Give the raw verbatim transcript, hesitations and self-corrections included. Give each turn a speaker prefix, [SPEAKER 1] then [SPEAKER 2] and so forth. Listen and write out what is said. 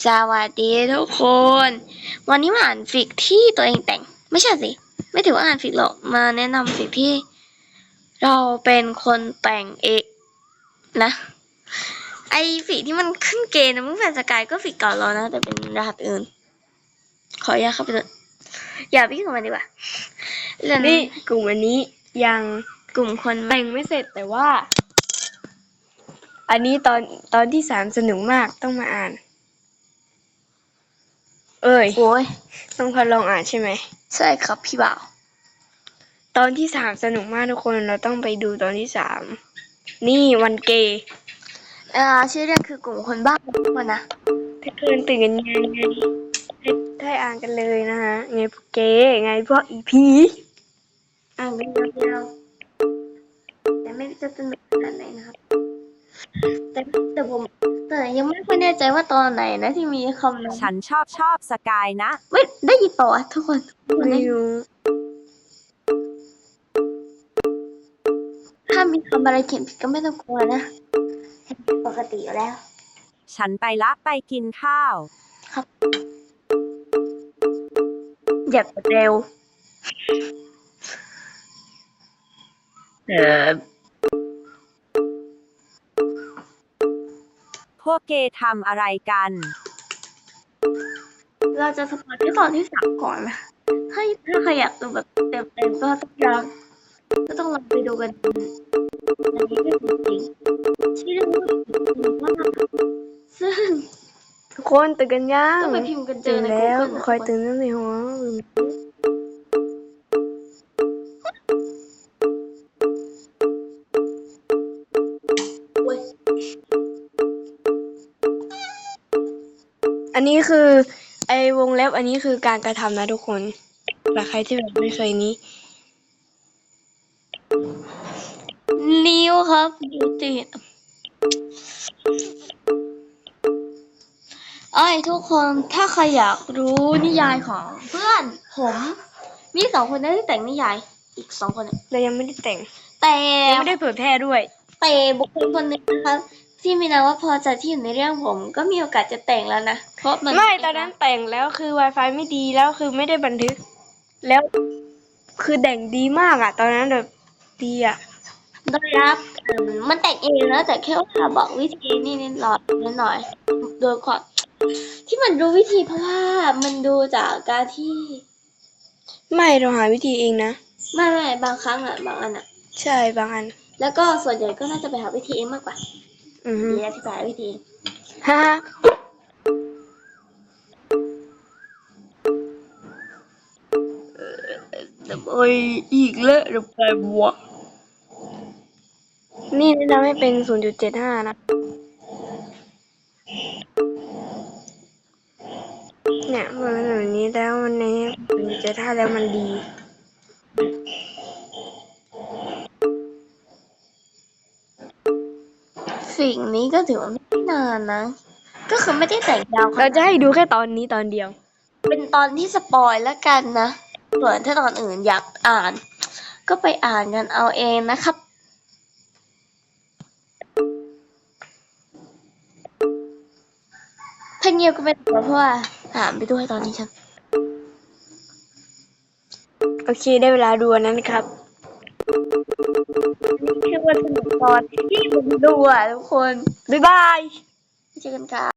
[SPEAKER 1] สวัสดีทุกคน วันนี้มาอ่านฟิกที่ตัวเองแต่งไม่ใช่สิไม่ถือว่าอ่านฟิกหรอกมาแนะนำฟิกที่เราเป็นคนแต่งเองนะไอฟิกที่มันขึ้นเกณฑ์นะมึงแฟนสกายก็ฟิกเก่าแล้วนะแต่เป็นรหัสอื่นขออนุญาตเข้าไปเลยอย่าไปยุ่งกับมันดีกว่า
[SPEAKER 2] นี่กลุ่มอันนี้ยัง
[SPEAKER 1] กลุ่มคน
[SPEAKER 2] แต่งไม่เสร็จแต่ว่า อันนี้ตอนตอนที่สามสนุกมากต้องมาอ่าน เอ้ย
[SPEAKER 1] โอ้ย
[SPEAKER 2] ต้องพอลองอ่านใช่ไหม
[SPEAKER 1] ใช่ครับพี่บ่าว
[SPEAKER 2] ตอนที่สามสนุกมากทุกคนเราต้องไปดูตอนที่สามนี่วันเกย์
[SPEAKER 1] อ่าชื่อเรื่องคือกลุ่มคนบ้าทุกคนนะ
[SPEAKER 2] ถ้าเกินตื่นกันไงไงให้ให้อ่านกันเลยนะฮะไงพวกเกย์ไงพวกอีพี
[SPEAKER 1] อ่านกันยาวๆแต่ไม่จะสนุกขนาดไหนนะครับแต่แต่ผมแต่ยังไม่ค่อยแน่ใจว่าตอนไหนนะที่มีคำนั้น
[SPEAKER 3] ฉันชอบชอบสกายนะ
[SPEAKER 1] เว้ยได้ยินเปล่าวะทุกคน
[SPEAKER 2] ไม่รู้
[SPEAKER 1] ถ้ามีคำอะไรเขียนผิดก็ไม่ต้องกลัวนะปกติอยู่แล้ว
[SPEAKER 3] ฉันไปละไปกินข้าว
[SPEAKER 1] ครับอย่าเร็วเออ
[SPEAKER 3] พวกเกย์ทำอะไรกัน
[SPEAKER 1] เราจะสปอยที่ตอนที่สามก่อนนะให้ถ้าใครอยากดูแบบเต็มๆก็ต้องลองก็ต้องลองไปดูกันอันนี้ก็จริงๆที่เรื่องว่าซึ่ง
[SPEAKER 2] ทุกคนตื่นกันยัง
[SPEAKER 1] ต้องไปพิมพ์กันเจอใน
[SPEAKER 2] แล้ว
[SPEAKER 1] Google
[SPEAKER 2] คอยตื่นตั้งในหัวอันนี้คือไอวงเล็บอันนี้คือการกระทำนะทุกคนสำหรับใครที่แบบไม่เคยนี้
[SPEAKER 1] นิ้วครับนิ้วติดเอ้ยทุกคนถ้าใครอยากรู้นิยายของเพื่อนผมมีสองคนนะที่แต่งนิยายอีกสองคนเนี่ย
[SPEAKER 2] เรายังไม่ได้แต่ง
[SPEAKER 1] แต่
[SPEAKER 2] ยังไม่ได้เผยแพร่ด้วย
[SPEAKER 1] แต่บุคคลคนหนึ่งนะครับที่มีนามว่าพอใจที่อยู่ในเรื่องผมก็มีโอกาสจะแต่งแล้วนะเพราะมัน
[SPEAKER 2] ไม่ตอนนั้นแต่งแล้วคือ Wi-Fi ไม่ดีแล้วคือไม่ได้บันทึกแล้วคือแต่งดีมากอ่ะตอนนั้นแบบดีอ่ะ
[SPEAKER 1] ได้รับมันแต่งเองนะแต่แค่ว่าบอกวิธีนี่นิดหน่อยนิดหน่อยโดยความที่มันรู้วิธีเพราะว่ามันดูจากการที่
[SPEAKER 2] ไม่เราหาวิธีเองนะ
[SPEAKER 1] ไม่ไม่บางครั้งอ่ะบางอันอ่ะ
[SPEAKER 2] ใช่บางอัน
[SPEAKER 1] แล้วก็ส่วนใหญ่ก็น่าจะไปหาวิธีเองมากกว่า
[SPEAKER 2] อือฮึ
[SPEAKER 1] เดี๋ยวอธิบายวิธี
[SPEAKER 2] ฮ่า
[SPEAKER 1] แต่โอ้ยอีกแล้วเดี๋ยวไปบวก
[SPEAKER 2] นี่แนะนำให้เป็น ศูนย์จุดเจ็ดห้า นะเนี่ยเมื่อแบบนี้แล้วมันใน ศูนย์จุดเจ็ดห้า แล้วมันดี
[SPEAKER 1] สิ่งนี้ก็ถือว่าไม่นานนะก็คือไม่ได้แต่งยาว
[SPEAKER 2] เราจะให้ดูแค่ตอนนี้ตอนเดียว
[SPEAKER 1] เป็นตอนที่สปอยแล้วกันนะส่วนถ้าตอนอื่นอยากอ่านก็ไปอ่านกันเอาเองนะครับถ้าเงียบก็ไม่ต้องเพราะว่าอ่านไปด้วยตอนนี้ฉัน
[SPEAKER 2] โอเคได้เวลาดูอันนั้นครับ
[SPEAKER 1] นี่คือวันสนุกตอนที่ผมดูอ่ะทุกคน
[SPEAKER 2] บ๊ายบาย
[SPEAKER 1] เจอกันค่ะ